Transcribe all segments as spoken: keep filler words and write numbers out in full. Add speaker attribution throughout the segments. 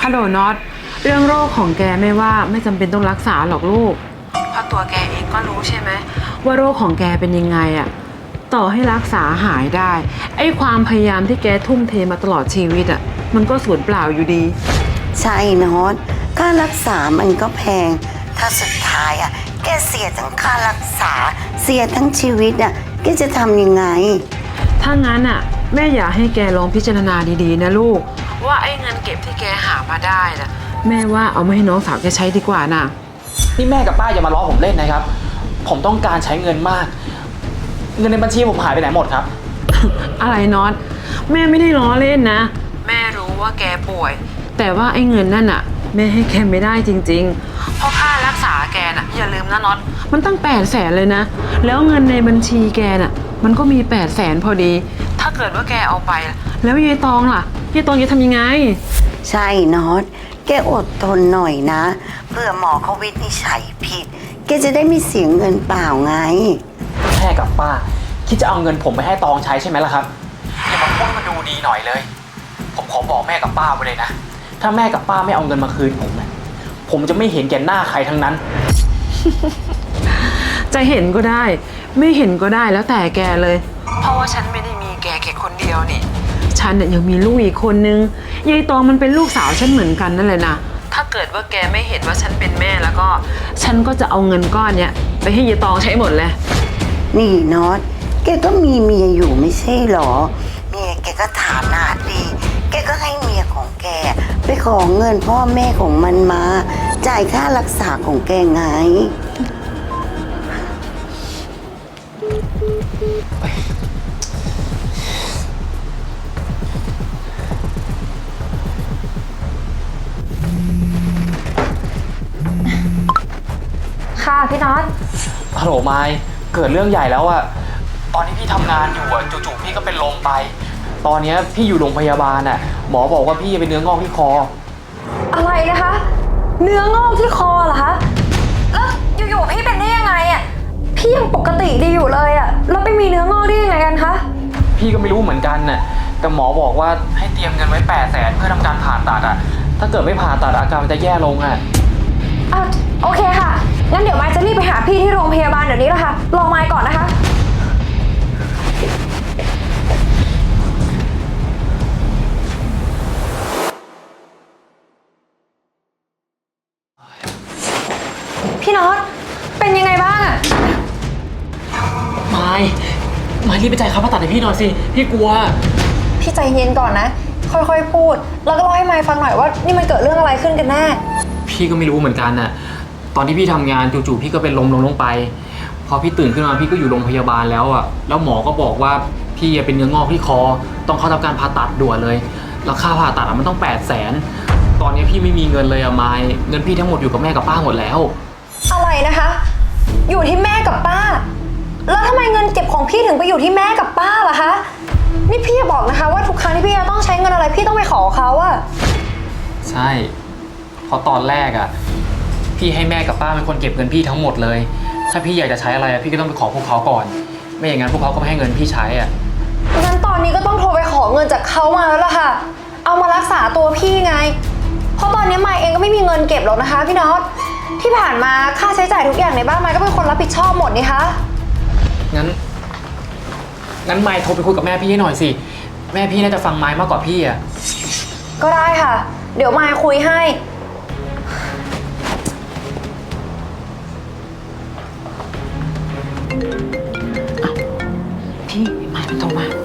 Speaker 1: ฮัลโหลน็อตเรื่องโรคของแกไม่ว่าไม่จำเป็นต้องรักษาหรอกลูกเพราะตัวแกเองก็รู้ใช่ไหมว่าโรคของแกเป็นยังไงอะต่อให้รักษาหายได้ไอ้ความพยายามที่แกทุ่มเทมาตลอดชีวิตอะมันก็สูญเปล่าอยู่ดี
Speaker 2: ใช่น็อตค่ารักษามันก็แพงถ้าสุดท้ายอะแกเสียทั้งค่ารักษาเสียทั้งชีวิตอะแกจะทำยังไง
Speaker 1: ถ้างั้นอะแม่อยากให้แกลองพิจารณาดีๆนะลูกว่าไอ้เงินเก็บที่แกหามาได้นะแม่ว่าเอามาให้น้องสาวแกใช้ดีกว่านะ
Speaker 3: นี่แม่กับป้าอย่ามาล้อผมเล่นนะครับผมต้องการใช้เงินมากเงินในบัญชีผมหายไปไหนหมดครับ
Speaker 1: อะไรน็อตแม่ไม่ได้ล้อเล่นนะแม่รู้ว่าแกป่วยแต่ว่าไอ้เงินนั่นอะแม่ให้แกไม่ได้จริงๆเพราะค่ารักษาแกน่ะอย่าลืมนะน็อตมันตั้งแปดแสนเลยนะแล้วเงินในบัญชีแกน่ะมันก็มีแปดแสนพอดีถ้าเกิดว่าแกเอาไปแล้วยายตองล่ะยายตองจะทำยังไง
Speaker 2: ใช่น็อตแกอดทนหน่อยนะเพื่อหมอเขาวินิจฉัยผิดแกจะได้ไม่เสียเงินเปล่าไง
Speaker 3: แม่กับป้าคิดจะเอาเงินผมไปให้ตองใช้ใช่ไหมล่ะครับอย่ามาพูดมาดูดีหน่อยเลยผมขอบอกแม่กับป้าไว้เลยนะถ้าแม่กับป้าไม่เอาเงินมาคืนผมนะผมจะไม่เห็นแก่หน้าใครทั้งนั้น
Speaker 1: จะเห็นก็ได้ไม่เห็นก็ได้แล้วแต่แกเลยเพราะว่าฉันไม่ได้มีแกแค่คนเดียวนี่ฉันเนี่ยยังมีลูกอีกคนนึงยายตองมันเป็นลูกสาวฉันเหมือนกันนั่นแหละนะถ้าเกิดว่าแกไม่เห็นว่าฉันเป็นแม่แล้วก็ฉันก็จะเอาเงินก้อนเนี้ยไปให้ยายตองใช้หมดเลย
Speaker 2: นี่น็อตแกก็มีเมียอยู่ไม่ใช่หรอเมียแกก็ฐานะดีแกก็ให้เมียของแกไปขอเงินพ่อแม่ของมันมาจ่ายค่ารักษาของแกไง
Speaker 4: ค่ะพี่น็อต
Speaker 3: ฮัลโหลไมค์เกิดเรื่องใหญ่แล้วอะตอนที่พี่ทำงานอยู่อะจู่ๆพี่ก็เป็นลมไปตอนนี้พี่อยู่โรงพยาบาลอะหมอบอกว่าพี่เป็นเนื้องอกที่คอ
Speaker 4: อะไรนะคะเนื้องอกที่คอเหรอคะแล้วอยู่ๆพี่เป็นได้ยังไงอะพี่ยังปกติดีอยู่เลยอะแล้วไปมีเนื้องอกได้ยังไงกันคะ
Speaker 3: พี่ก็ไม่รู้เหมือนกันน่ะแต่หมอบอกว่าให้เตรียมเงินไว้แปดแสนเพื่อทำการผ่าตัดอะถ้าเกิดไม่ผ่าตัดอาการมันจะแย่ลงอะ
Speaker 4: อ่ะโอเคค่ะงั้นเดี๋ยวมายจะรีบไปหาพี่ที่โรงพยาบาลเดี๋ยวนี้แหละค่ะรอมายก่อนนะคะพี่น็อตเป็นยังไงบ้างอะ
Speaker 3: ไม่ไม่รีบไปจ่ายค่าผ่าตัดให้พี่หน่อยสิพี่กลัว
Speaker 4: พี่ใจเย็นก่อนนะค่อยๆพูดแล้วก็เล่าให้มายฟังหน่อยว่านี่มันเกิดเรื่องอะไรขึ้นกันแน่
Speaker 3: พี่ก็ไม่รู้เหมือนกันน่ะตอนที่พี่ทำงานจู่ๆพี่ก็เป็นลมลงลงไปพอพี่ตื่นขึ้นมาพี่ก็อยู่โรงพยาบาลแล้วอ่ะแล้วหมอก็บอกว่าพี่เป็นเนื้องอกที่คอต้องเข้าทำการผ่าตัดด่วนเลยแล้วค่าผ่าตัดมันต้องแปดแสนตอนนี้พี่ไม่มีเงินเลยอะมายเงินพี่ทั้งหมดอยู่กับแม่กับป้าหมดแล้ว
Speaker 4: อะไรนะคะอยู่ที่แม่กับป้าแล้วทำไมเงินเก็บของพี่ถึงไปอยู่ที่แม่กับป้าล่ะคะนี่พี่จะบอกนะคะว่าทุกครั้งที่พี่จะต้องใช้เงินอะไรพี่ต้องไปขอเขาอะ
Speaker 3: ใช่เพราะตอนแรกอะพี่ให้แม่กับป้าเป็นคนเก็บเงินพี่ทั้งหมดเลยถ้าพี่อยากจะใช้อะไรพี่ก็ต้องไปขอพวกเขาก่อนไม่อย่างนั้นพวกเขาก็ไม่ให้เงินพี่ใช้อะ
Speaker 4: งั้นตอนนี้ก็ต้องโทรไปขอเงินจากเขามาแล้วล่ะค่ะเอามารักษาตัวพี่ไงเพราะตอนนี้มายเองก็ไม่มีเงินเก็บหรอกนะคะพี่น็อตที่ผ่านมาค่าใช้จ่ายทุกอย่างในบ้านมายก็เป็นคนรับผิดชอบหมดนี่คะ
Speaker 3: งั้นงั้นมายโทรไปคุยกับแม่พี่ให้หน่อยสิแม่พี่น่าจะฟังมายมากกว่าพี่อะ
Speaker 4: ก็ได้ค่ะเดี๋ยวมายคุยให้
Speaker 1: พี่มายมันโทรมา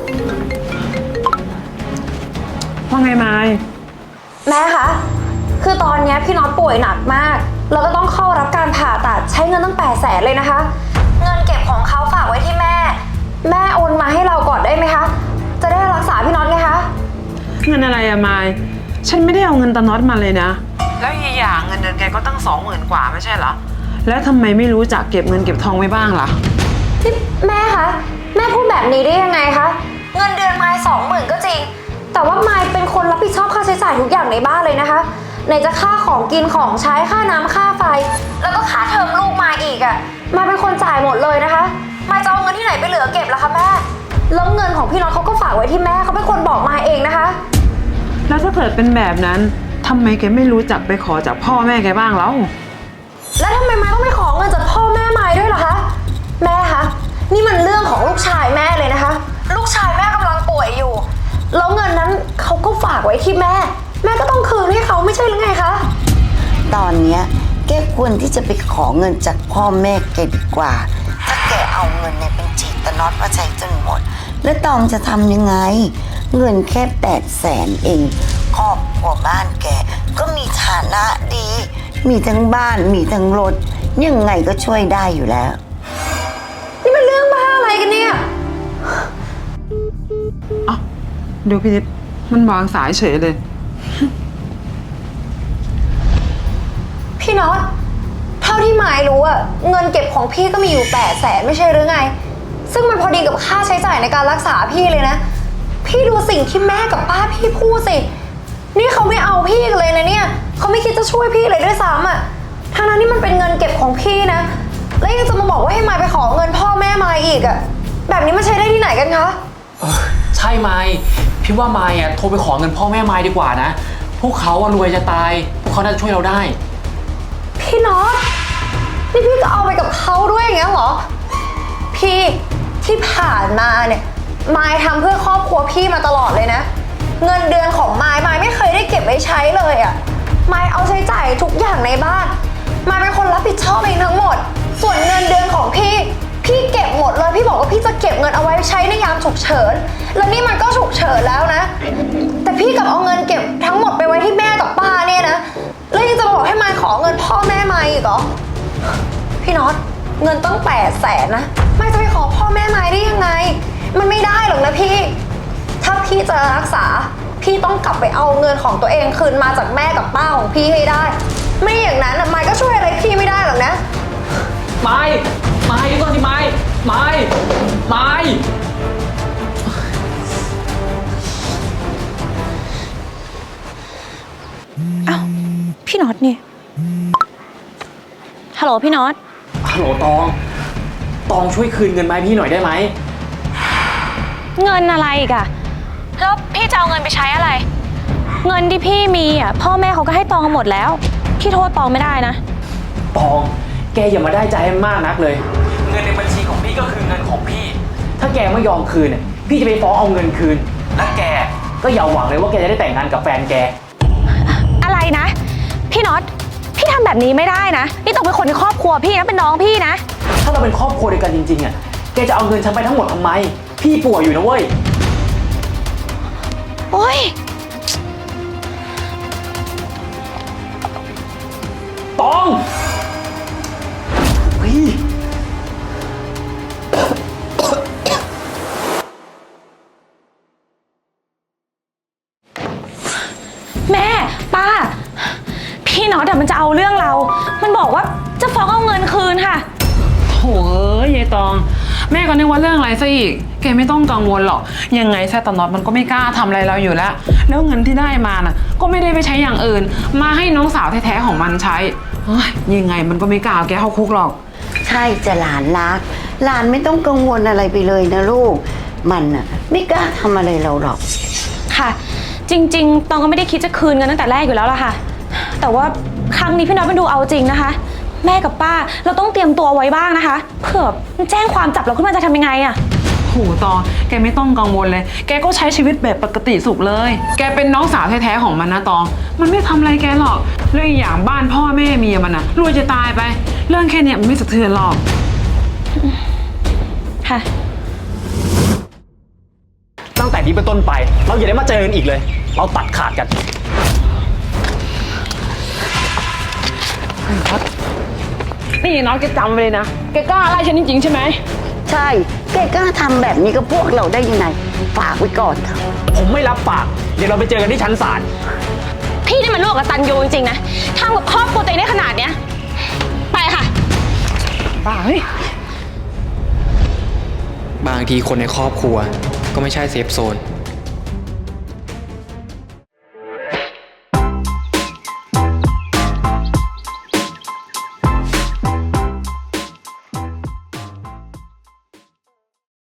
Speaker 1: ว่าไงมาย
Speaker 4: แม่คะคือตอนนี้พี่น็อตป่วยหนักมากแล้วก็ต้องเข้ารับการผ่าตัดใช้เงินตั้งแปดแสนเลยนะคะเงินเก็บของเขาฝากไว้ที่แม่แม่โอนมาให้เราก่อนได้ไหมคะจะได้รักษาพี่น็อตไงคะ
Speaker 1: เงินอะไรอะมายฉันไม่ได้เอาเงินตาน็อตมาเลยนะแล้วอีกอย่างเงินเดือนแกก็ตั้งสองหมื่นกว่าไม่ใช่เหรอแล้วทำไมไม่รู้จักเก็บเงินเก็บทองไว้บ้างล่ะ
Speaker 4: ที่แม่คะแม่พูดแบบนี้ได้ยังไงคะเงินเดือนมายสองหมื่นก็จริงแต่ว่ามายเป็นคนรับผิดชอบค่าใช้จ่ายทุกอย่างในบ้านเลยนะคะไหนจะค่าของกินของใช้ค่าน้ำค่าไฟแล้วก็ค่าเทอมลูกมายอีกอะมายเป็นคนจ่ายหมดเลยนะคะมายจะเอาเงินที่ไหนไปเหลือเก็บล่ะคะแม่แล้วเงินของพี่น็อตเขาก็ฝากไว้ที่แม่เขาเป็นคนบอกมายเองนะคะ
Speaker 1: แล้วถ้าเกิดเป็นแบบนั้นททำไมแกไม่รู้จักไปขอจากพ่อแม่แกบ้างแล้ว
Speaker 4: แล้วทำไมไม้ต้องไปขอเงินจากพ่อแม่ไม้ด้วยล่ะคะ แม่คะ นี่มันเรื่องของลูกชายแม่เลยนะคะ ลูกชายแม่กำลังป่วยอยู่ แล้วเงินนั้นเขาก็ฝากไว้ที่แม่ แม่ก็ต้องคืนให้เขาไม่ใช่หรือไงคะ
Speaker 2: ตอนเนี้ยแกควรที่จะไปขอเงินจากพ่อแม่แกดีกว่า ถ้าแกเอาเงินในบัญชีตะน็อตมาใช้จนหมด แล้วตองจะทำยังไง เงินแค่แปดแสนเองครอบครัวบ้านแกก็มีฐานะดี มีทั้งบ้านมีทั้งรถยังไงก็ช่วยได้อยู่แล้ว
Speaker 4: นี่มันเรื่องบ้าอะไรกันเนี่ย
Speaker 1: อ่ะเดี๋ยวพี่นิดมันวางสายเฉยเลย
Speaker 4: พี่น็อตเท่าที่หมายรู้อะเงินเก็บของพี่ก็มีอยู่แปดแสนไม่ใช่หรือไง ซึ่งมันพอดีกับค่าใช้จ่ายในการรักษาพี่เลยนะ พี่ดูสิ่งที่แม่กับป้าพี่พูดสิ นี่เขาไม่เอาพี่เลยนะเนี่ยเขาไม่คิดจะช่วยพี่เลยด้วยซ้ำอะทั้งนั้นนี่มันเป็นเงินเก็บของพี่นะ แล้วยังจะมาบอกว่าให้มายไปขอเงินพ่อแม่มายอีกอะแบบนี้มันใช้ได้ที่ไหนกันคะ
Speaker 3: เออใช่ไมค์พี่ว่าไมค์อ่ะโทรไปขอเงินพ่อแม่ไมค์ดีกว่านะ พวกเขาอะรวยจะตาย พวกเขาน่าจะช่วยเราได้
Speaker 4: พี่น็อตนี่พี่ก็เอาไปกับเขาด้วยอย่างเงี้ยเหรอ พี่ที่ผ่านมาเนี่ยมายทำเพื่อครอบครัวพี่มาตลอดเลยนะ เงินเดือนของมายมายไม่เคยได้เก็บไว้ใช้เลยอะ่ะมายเอาใช้จ่ายทุกอย่างในบ้านมายเป็นคนรับผิดชอบเองทั้งหมด ส่วนเงินเดือนของพี่พี่เก็บหมดเลยพี่บอกว่าพี่จะเก็บเงินเอาไว้ใช้ในยามฉุกเฉินแล้วนี่มันก็ฉุกเฉินแล้วนะ แต่พี่กลับเอาเงินเก็บทั้งหมดไปไว้ที่แม่กับป้าเนี่ยนะแล้วยังจะมาบอกให้มายขอเงินพ่อแม่มายอีกเหรอพี่น็อตเงินต้องแปดแสนนะมายจะไปขอพ่อแม่มายได้ยังไงมันไม่ได้หรอกนะพี่ถ้าพี่จะรักษาพี่ต้องกลับไปเอาเงินของตัวเองคืนมาจากแม่กับป้าของพี่ให้ได้ ไม่อย่างนั้นมายก็ช่วยอะไรพี่ไม่ได้หรอกนะ
Speaker 3: ไมค์ไมค์เดี๋ยวก่อนสิไมค์ไมค์ไมค์
Speaker 4: อ้าวพี่น็อตนี่ฮัลโหลพี่น็อต
Speaker 3: ฮัลโหลตอง ตองช่วยคืนเงินมาให้พี่หน่อยได้ไหม
Speaker 5: เงินอะไรอีกอะแล้วพี่จะเอาเงินไปใช้อะไร เงินที่พี่มีอะพ่อแม่เขาก็ให้ตองหมดแล้ว พี่โทษตองไม่ได้นะ
Speaker 3: ตอง แกอย่ามาได้ใจให้มากนักเลย เงินในบัญชีของพี่ก็คือเงินของพี่ ถ้าแกไม่ยอมคืนเนี่ยพี่จะไปฟ้องเอาเงินคืน และแกก็อย่าหวังเลยว่าแกจะได้แต่งงานกับแฟนแก
Speaker 5: อะไรนะ พี่น็อต พี่ทำแบบนี้ไม่ได้นะ นี่ต้องเป็นคนในครอบครัวพี่นะ เป็นน้องพี่นะ
Speaker 3: ถ้าเราเป็นครอบครัวเดียวกันจริงๆอ่ะ แกจะเอาเงินฉันไปทั้งหมดทำไม พี่ป่วยอยู่นะเว้ย
Speaker 5: โอ๊ย
Speaker 3: ตองเฮ้ย
Speaker 5: แม่ป้า พี่น็อตอะมันจะเอาเรื่องเรา มันบอกว่าจะฟ้องเอาเงินคืนค่ะ
Speaker 1: โถ่เอ้ยยายตอง แม่ก็นึกว่าเรื่องอะไรซะอีก แกไม่ต้องกังวลหรอก ยังไงแซตนอตมันก็ไม่กล้าทำอะไรเราอยู่แล้ว แล้วเงินที่ได้มาน่ะ ก็ไม่ได้ไปใช้อย่างอื่น มาให้น้องสาวแท้ๆของมันใช้เฮ้ยยังไงมันก็ไม่กล้าเอาแกเข้าคุกหรอก
Speaker 2: ใช่จะหลานรัก หลานไม่ต้องกังวลอะไรไปเลยนะลูก มันน่ะไม่กล้าทำอะไรเราหรอก
Speaker 5: ค่ะ จริงๆ ตองก็ไม่ได้คิดจะคืนเงินตั้งแต่แรกอยู่แล้วล่ะค่ะ แต่ว่าครั้งนี้พี่น็อตมันดูเอาจริงนะคะ แม่กับป้าเราต้องเตรียมตัวไว้บ้างนะคะ เผื่อมันแจ้งความจับเราขึ้นมาจะทำยังไงอะ
Speaker 1: โหตอง แกไม่ต้องกังวลเลย แกก็ใช้ชีวิตแบบปกติสุขเลย แกเป็นน้องสาวแท้ๆของมันนะตอง มันไม่ทำอะไรแกหรอกเรื่องอีกอย่างบ้านพ่อแม่เมียมันน่ะรวยจะตายไป เรื่องแค่เนี้ยมันไม่สะเทือนหรอก
Speaker 5: ค่ะ
Speaker 3: ตั้งแต่นี้เป็นต้นไป เราอย่าได้มาเจอกันอีกเลย เราตัดขาดกัน
Speaker 1: นี่น้องแกจำไว้เลยนะ แกกล้าไล่ฉันจริงๆใช่ไหม
Speaker 2: ใช่ แกกล้าทำแบบนี้กับพวกเราได้ยังไง ฝากไว้ก่อนเถอะ
Speaker 3: ผมไม่รับปาก เดี๋ยวเราไปเจอกันที่ชั้นศาล
Speaker 5: พี่นี่มันลูกกตัญญูจริงๆนะทำกับครอบครัวตัวเองได้ขนาดเนี้ย ไปค่ะ
Speaker 1: บ้าเฮ้ย
Speaker 3: บางทีคนในครอบครัวก็ไม่ใช่เซฟโซน